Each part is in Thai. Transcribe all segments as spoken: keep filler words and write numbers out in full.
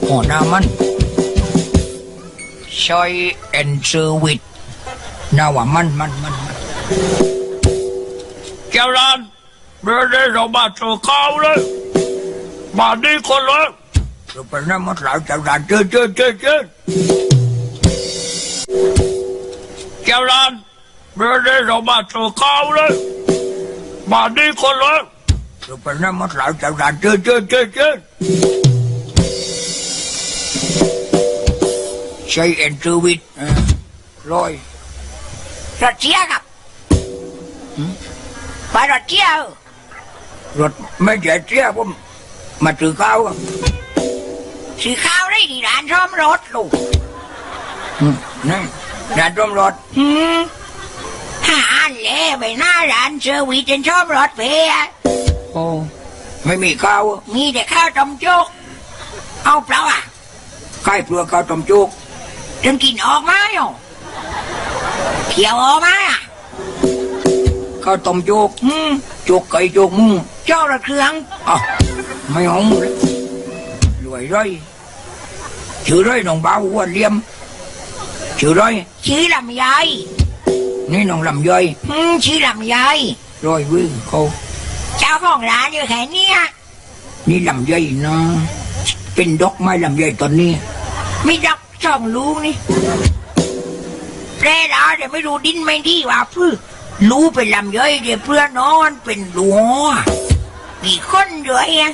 อ๋อหน้ามันใช้เอ็นเซอร์วิสหน้าว่ามันมันมันเจ้าร้านเมื่อได้เรามาเจอเขาเลยมาดีคนเลยจะเป็นน้ำมันหลายเจ้าร้านเจอเจอเจอเจอเจ้าร้านเมื่อได้เรามาเจอเขาเลยมาดีคนเลยจะเป็นน้ำมันหลายเจ้าร้านเจอเจอเจอเจอใช้เอ็นเซอร์วิสร้อยรถเชียครับไปรถเชียรถไม่ใช่เชียผมมาซื้อข้าวซื้อข้าวได้ที่ร้านซ่อมรถลูกนี่ร้านซ่อมรถหาเล่ไปหน้าร้านเซอร์วิสจนซ่อมรถเพียโอ้ไม่มีข้าวมีแต่ข้าวต้มจุกเอาเปล่าอ่ะใครเปลือกข้าวต้มจุกจนกินออกมาอยู่เขียวออกมาข้าวต้มจุกจุกไก่จุกมุ้งเจ้าละเครื่องอ่ะไม่หงเลยรวยร้อยชื่อร้อยน้องบ่าวอ้วนเลี่ยมชื่อร้อยชื่อลำไยนี่น้องลำไยชื่อลำไยร้อยวิ่งเขาเจ้าของร้านอยู่แค่นี้นี่ลำไยนะเป็นดอกไม้ลำไยตอนนี้ไม่ดอกช่องลูกนี่แปรดาเดี๋ยวไม่รู้ดินไม่ดีว่าพื้นรู้เป็นลำย่อยเดี๋ยวเพื่อนนอนเป็นหลัวมีคนด้วยอ่ะ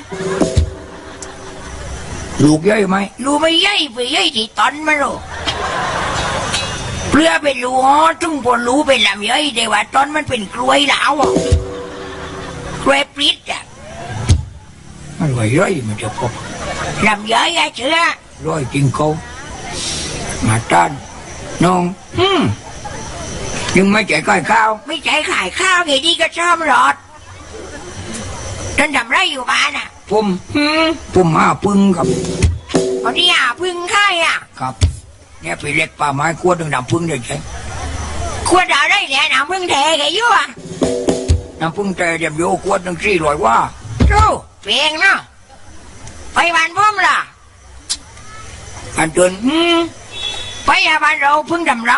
ลูกย่อยไหมลูกไม่ย่อยไปย่อยที่ตอนมาหรอกเพื่อเป็นหลัวจึงพอรู้เป็นลำย่อยเดี๋ยวว่าตอนมันเป็นกล้วยแล้วอ่ะกล้วยปริดอ่ะมันว่าย่อยมันจะพบลำย่อยอ่ะเชื่อร้อยจริงเขามาต้านน้องฮึมยังไม่ใจขายข้าวไม่ใจขายข้าวไงดีก็ชอบรอดท่านทำไรอยู่บ้านอ่ะผมฮึมผมหาพึ่งครับเอาที่หาพึ่งค่ายอ่ะครับเนี่ยไปเล็กป่าไม้ขวดหนึ่งน้ำพึ่งเด็กใช่ขวดอะไรเนี่ยน้ำพึ่งแท้แกยุ่อ่ะน้ำพึ่งแท้เดี๋ยวโยขวดหนึ่งสี่ร้อยว่าโจ้เพียงเนาะไปบ้านพ่อมล่ะอันเดินไปยาบ้านเราพึ่งดำรัง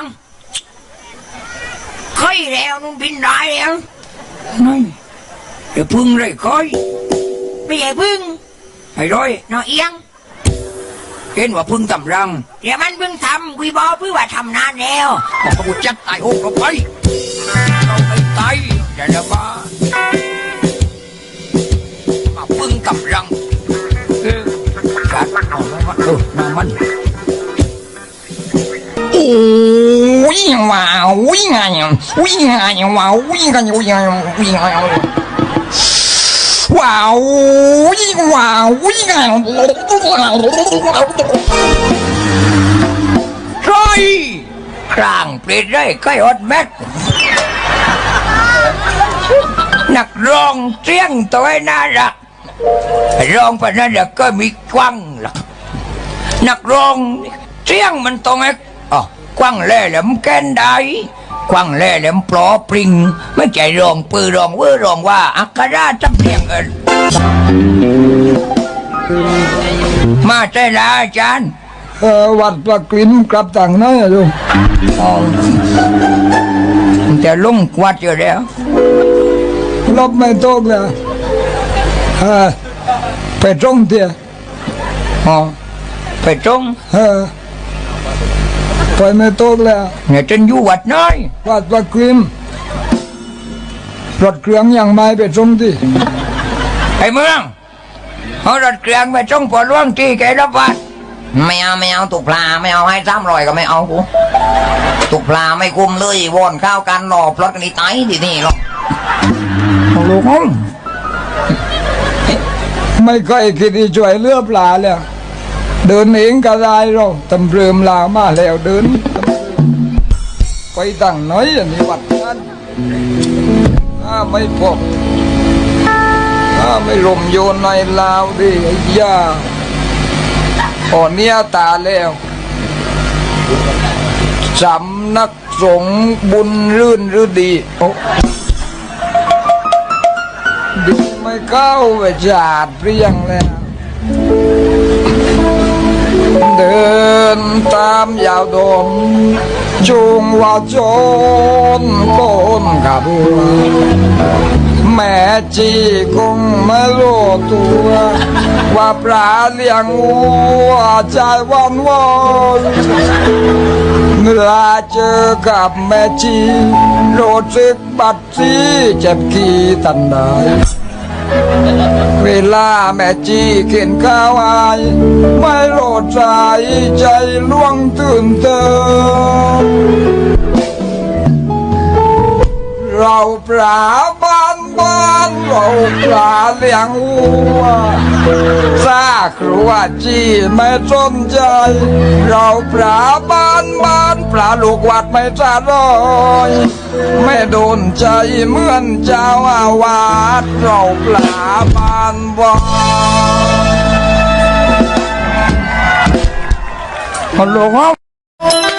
ค่อยแล้วนุ่งบินได้แล้วนี่เดี๋ยวพึ่งเลยค่อยไม่ใช่พึ่งไอ้ร้อยน้อเอียงเห็นว่าพึ่งดำรังเดี๋ยวมันพึ่งทำกุยบอพึ่งว่าทำนานแล้วบอกกูจัดตายโอ้เราไปเราไปตายอย่าเดี๋ยวมามาพึ่งดำรังเออจัดเอาแล้วว่าเออน้ำมันโอ้ยว้าววิ่งไงวิ่งไงว้าววิ่งกันวิ่งไงวิ่งไงว้าววิ่งว้าววิ่งไงใช่ครางเปลี่ยนได้ใกล้อดแม็กนักร้องเสียงตัวน่ารักร้องไปนั่นแหละก็มีกว้างหรอกนักร้องเสียงมันตรงไอ้อ๋อกว้างแหล่แหลมแกนได้กว้างแหล่แหลมปลอปริงไม่ใจร้องปือร้องเวอร้องว่าอักราจำเนียงเอินมาใจละอาจารย์เออวัดปลากลิ้มกลับต่างน้อยลูกอ๋อจะลงวัดอยู่แล้วลบไม่ตกเลยเออไปตรงเดียอ๋อไปตรงเออไปไม่ตกแล้วเนี่ยจนอยู่วัดน้อยวัดปลากลิ้มรถเครื่องยังไม่ไปตรงที่ไอ้เมืองเอารถเครื่องไปตรงพอล่วงที่แกรับวัดไม่เอาไม่เอาตุกปลาไม่เอาให้ซ้ำรอยก็ไม่เอากูตุกปลาไม่คุมเลยวนข้าวกันหล่อพลอดกันนี่ตายที่นี่หรอกลูกน้องไม่เคยคิดที่ช่วยเลือปลาเลยเดินเองก็ได้หรอกตำเริมลามาแล้วเดินไปตั้งน้อยอันนี้วัดนั้นถ้าไม่พบถ้าไม่ลมโยนในลาวดิไอ้ยาอ่อนเนี้ยตาแล้วสำนักสงฆ์บุญรื่นหรือดีโอ้ดีไม่เข้าไปจาดเรียงแล้วตามยาวดมจุงว่าจนโกนกับบัวแม่จีคงไม่รู้ตัวว่าปลาเลี้ยงวัวใจวันวอนเมื่อเจอกับแม่จีรู้สึกบัดซีเจ็บกี่ตันได้เวลาแม่จีเข็นข้าวอายไม่โลดใจใจล่วงตื่นเต้นเราปลาบ้านบ้านเราปลาเลี้ยงวัวซาครัวจีไม่สนใจเราปลาบ้านบ้านปลาลูกวัดไม่สะรอยไม่โดนใจเหมือนเจ้าอาวาสเราปลาบ้านบ้านฮัลโหลครับ